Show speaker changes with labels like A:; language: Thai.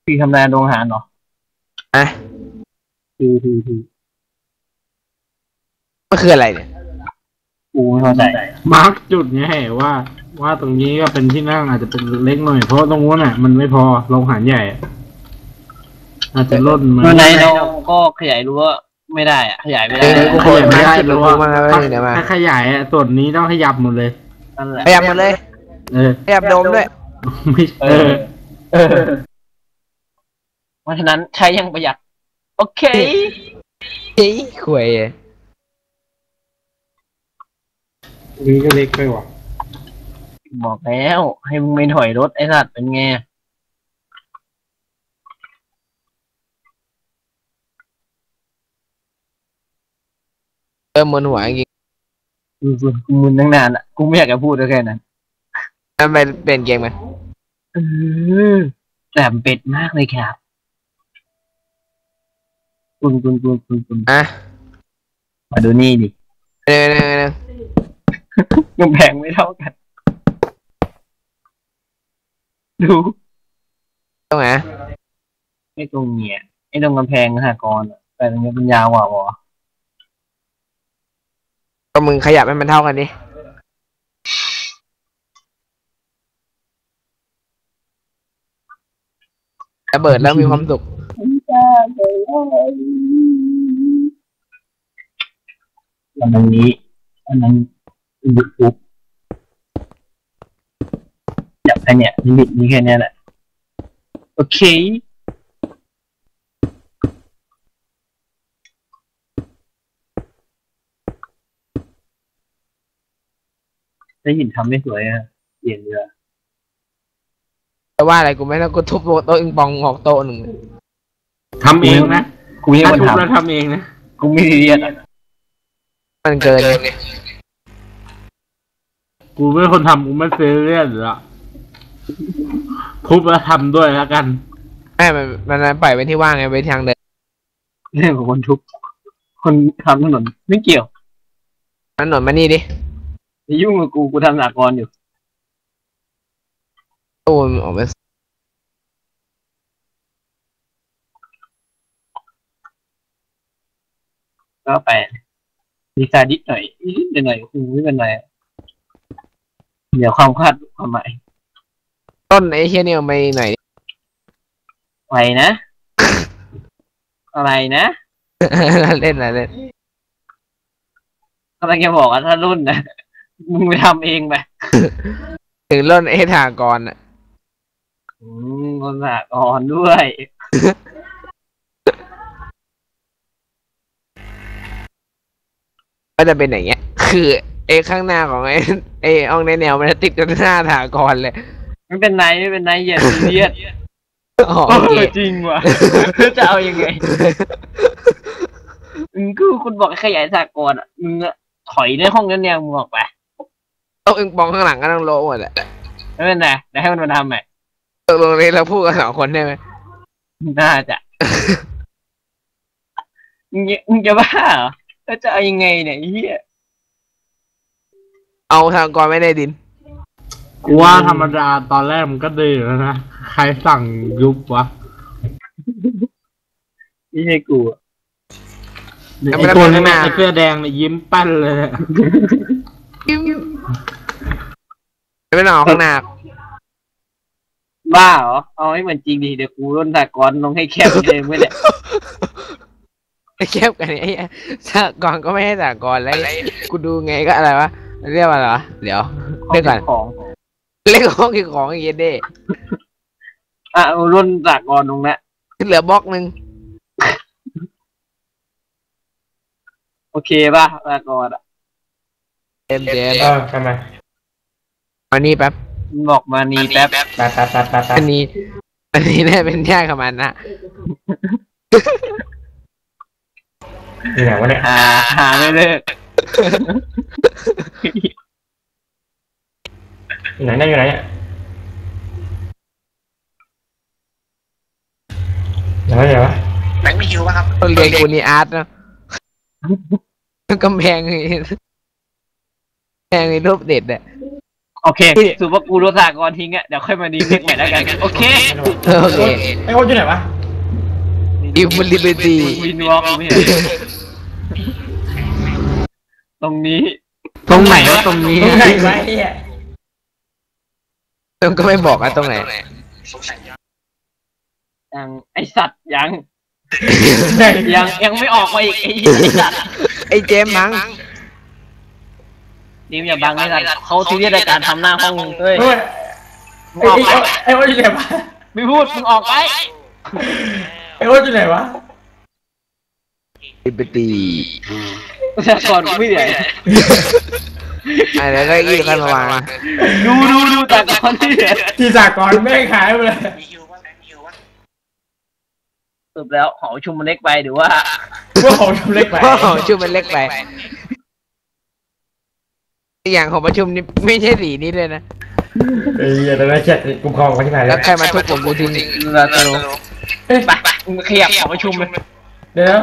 A: พี่ทำงานโรงอาหารเหรอ
B: อ่ะ
A: คือ
B: มันคืออะไรเนี่ย
A: กูไม่เข้าใจ
C: มาร์กจุดไงว่าตรงนี้ก็เป็นที่นั่งอาจจะเป็นเล็กหน่อยเพราะตรงนู้นน่ะมันไม่พอโรงอาหารใหญ่อาจจะล้นมา
A: เมื่อไหนเราก็ขยายรั้วไม่ได้อะขยายไม่ได้
B: กูขยายไม่ได้เดี๋ยวกูมาเดี๋ยวมา
C: ถ้าขยายส่วนนี้ต้องขยับหมดเลย
A: นั่นแหละ
B: ขยับหมดเลย ขยับโดมด้วย
C: ไม่
A: เพราะฉะนั้นใช้อยังประหยัดโอเค
B: เฮ้ยข่วย
C: นี่ก็เล็กไปว่ะ
A: บอกแล้วให้มึงไม่ถอยรถไอ้สัตว์เป็นไง
B: มึนหัวจริง
A: กูมึนตั้งนานอ่ะกูไม่อยากจะพูดแค่นั้น
B: ทำไมเปลี่ยนเกมกัน
A: แต่เป็ดมากเลยครับคุณ
B: อ่ะ
A: มาดูนี่ดิ
B: เร็ว
A: กำแพงไม่เท่ากันดู
B: ตรงไหน
A: ไอ้ตรงเนี้ยไอ้ตรงกำแพงสหกรณ์อะแต่ตรงนี้เป็นยาวกว่าวะ
B: ก็มึงขยับให้มันเท่ากันดิระเบิดแล้วมีความสุข
A: อันนี้อันนั้นบุกปุ๊บจับแค่เนี้ยลิมิตนี้แค่เนี้ยแหละโอเคได้ยินทำไม่สวยอะเปลี่ยนเรือ
B: แต่ว่าอะไรกูไม่ต้องกูทุบโต๊ะอิงปองออกโต๊ะหนึ่ง
C: ทำเองนะ
A: กูไม่
C: ถ้า
A: คน
C: ทุบ
A: ท
C: แล้วทำเองนะ
A: ำกูไม่ซีเรียสอะ
B: มันเกิน
C: กูไม่คนทำกูไม่ซีเรียสหรอกทุบแล้วทำด้วยแล้วกัน
B: ไม่มันปล่อยไว้ที่ว่างไงไว้ทางเดิน
A: เรื่องของคนทุบคนทำถนนไม่เกี่ยว
B: ถนนมานี่ดิ
A: อย่ายุ่งกับกูทำสากลอยู่
B: ตู้มันออกไป
A: ก็ไปดีไซน์นิดหน่อยนิดหน่อยคือไม่เป็นไรเดี๋ยวความคาดความหมาย
B: ต้นไอ้เชี่ยนี่เอาไปหน่อยดิ
A: ไหวนะ อะไรนะ
B: เล่นอะไรเล่น
A: กำลังจะบอกว่าถ้ารุ่นนะมึงไปทำเองไป
B: ถึงต้นไอ้ถากรอ่ะ
A: คนสากลด้วย
B: ก็จะเป็นอย่างเงี้ย คือไอ้ข้างหน้าของไอ้อ่องในแนวมันจะติดกับหน้าถากรเลย
A: ไม่เป็นไรอย่าซีเรียส
B: อ๋อโอเค
A: จริงว่ะ จะเอายังไงคือคุณบอกให้ขยายสากลอ่ะมึงอะถอยในห้องนั้นเนี่ยมึงออกไป
B: โต๊ะอิงปองข้างหลังก็ต้องโละหมดแหละ
A: ไม่เป็นไรเดี๋ยวให้มันมาทำใหม่
B: ตกลงนี้เราพูดกันสองคนได้ไหม
A: น่าจะมึงจะบ้าเหรอแล้วจะเอายังไงเนี่ยไอ้เฮีย
B: เอาถากรไม่ได้ดิน
C: กูว่าธรรมดาตอนแรกมันก็ดีแล้วนะ ใครสั่งยุบวะ
A: ไม่ใช่กูอะ
C: ไอ้ตัวนี้ไอ้เสื้อแดงเนี่ยยิ้มแป้นเลยอะ
B: ไม่ต้องเอาข้างหน้า
A: บ้าเหรอเอาให้เหมือนจริงดิเดี๋ยวกูร่นสากลลงให้แคบเลยไม่ได้
B: ไอ้แคบกันไอ้ถากรก็ไม่ให้ถากรแล้วกูดูไงก็อะไรวะเรียกว่าอะไรวะเดี๋ยวเรียกก่อน
A: ของ
B: เรียกห้องกี่ของไอ้เหี้ยเด้
A: เอาร่นสากลลงนะ
B: เหลือบล็อกหนึ่ง
A: โอเคป่ะสากลอ่ะ
B: เต็ม
C: ทำไม
B: อันนี้แป๊บ
A: มึงบอกมานี่แป๊บ
B: อันนี้น่าเป็นยากกับมันนะ
C: อยู่ไหนวะเนี่ย
A: หาไม่เลิก
C: อยู่ไหนเนี่ยยังวะ
A: แบงค์ไม่หิวป่ะครับ
B: ต้องเรียนกูนี่อาร์ตนะกำแพงไอ้รูปเด็ดอะ
A: โอเคสุภาพกูโดนสากรทิ้งอ่ะเดี๋ยวค่อยมาดีเล็กใหม่แล้วกันโอเค
B: โอเค
D: ไอ้โอ๊ตอยู่ไหนวะ
B: อิมลิเบอร์ตี้
A: วินวอล์กไม่เห็นตรงนี้
C: ตรงไหนวะตรงนี้
D: ตรงไหนวะไอ้เหี้ย
B: มันก็ไม่บอกอะตรงไหน
A: ยังไอสัตว์ยัง
D: ไหน
A: ยังไม่ออกมาอีกไอสัตว์
B: ไอ้เจมส์มั้ง
A: ดิมอย่าบังไอสัตว์เขาซีเรียสในการทำหน้าห้องเฮ้ย
D: โอ๊ย
A: มึงออกไป
D: ไอ้โอ๊ตอยู่ไหนวะ
A: ไม่พูดมึงออกไป
D: ไอ้โอ๊ตอยู่ไหนวะ
B: ลิเบอร์ตี้
A: แต่ก่อนกูไม่เหนื่อย
B: อะไรแล้วอีกคนมาวาง
A: ดูแต่ก่อนที่เหนื่อย
D: ที่สากรณ์แม่งหายไปเลย
A: สรุปแล้วหอประชุมมันเล็กไปหรือว่า
D: พวกของชมเล็กไป
B: โอ้โหชื่อมันเล็กไปอีกอย่างของประชุมนี่ไม่ใช่สีนี้เลยนะ
D: ไอ้เหี้ยแต่ละแชทกูคลองไว้ที่ไหน
B: แล้วใครมาทุบผมกูทิ้ง
A: เราจะรู้ไปมึงขยับหอประชุมเลย
D: เดี๋ยว